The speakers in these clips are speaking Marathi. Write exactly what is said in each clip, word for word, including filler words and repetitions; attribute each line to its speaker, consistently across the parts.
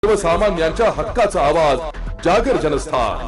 Speaker 1: सर्वसामान्यांच्या हक्काचा आवाज जागर जनस्थान।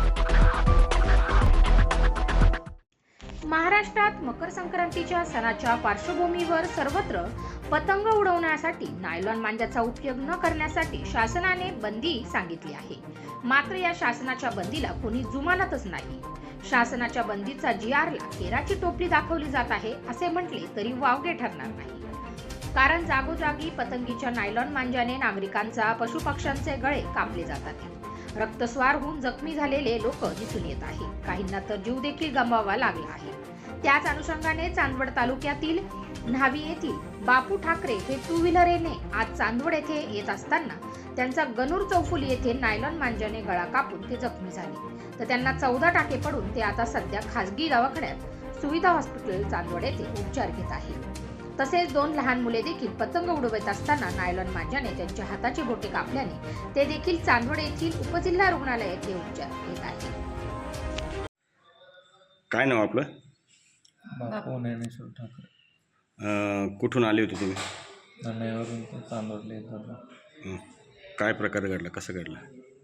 Speaker 2: महाराष्ट्रात मकर संक्रांतीच्या सणाच्या पार्श्वभूमीवर सर्वत्र पतंग उडवण्यासाठी नायलॉन मांजाचा उपयोग न करण्यासाठी शासनाने बंदी सांगितली आहे। मात्र या शासनाच्या बंदीला कोणी जुमानतच नाही। शासनाच्या बंदीचा जी आरला केराची टोपली दाखवली जात आहे असे म्हटले तरी वावगे ठरणार नाही। कारण जागोजागी पतंगीच्या नायलॉन मांजाने नागरिकांचा पशुपक्ष्यांचे गळे कापले जातात। रक्तस्वार होऊन जखमी झालेले लोक दिसून येत आहे। काहींना तर जीव देखील गमवावा लागला आहे। त्याच अनुषंगाने चांदवड तालुक्यातील न्हावी येथील बापू ठाकरे हे टू व्हीलरने आज चांदवड येथे येत असताना त्यांचा गणूर चौफुली येथे नायलॉन मांजाने गळा कापून ते जखमी झाले। तर त्यांना चौदा टाके पडून ते आता सध्या खासगी दवाखान्यात सुविधा हॉस्पिटल चांदवड येथे उपचार घेत आहेत। तसेच दोन लहान मुले देखील पतंग उडवत असताना नायलॉन मांजाने त्यांच्या हाताची बोटे कापल्याने ते देखील चांदवड येथील उपजिल्हा रुग्णालय येथे उपचार घेत आहेत।
Speaker 3: काय नाव आपलं?
Speaker 4: बापू ज्ञानेश्वर ठाकरे।
Speaker 3: अं, कुठून आले होते तुम्ही?
Speaker 4: नाण्यावरून ते चांदवडला येत होता।
Speaker 3: हं. काय प्रकार घडला, कसं घडला?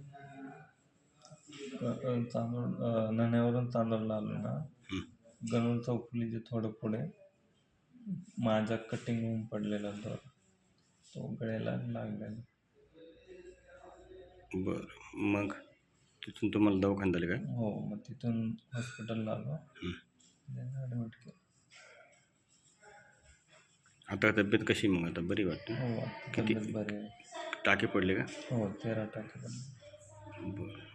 Speaker 4: क- चांदवड नाण्यावरून चांदवडला आलो ना,
Speaker 3: हं.
Speaker 4: गणूर चौफुलीचे थोडं पुढे माझा कटिंग होऊन पडलेला तो तो गळ्याला लागलेला।
Speaker 3: बरं, मग तिथून तुम्हाला दवाखान्यात आले काय?
Speaker 4: हो, मग तिथून हॉस्पिटलला आलो,
Speaker 3: हं.
Speaker 4: ॲडमिट केलं।
Speaker 3: आता तब्येत कशी मग? आता बरी वाटते?
Speaker 4: हो, आता
Speaker 3: किती
Speaker 4: तब्येत बरी आहे।
Speaker 3: टाके पडले का?
Speaker 4: हो, तेरा टाके पडले।
Speaker 3: बरं.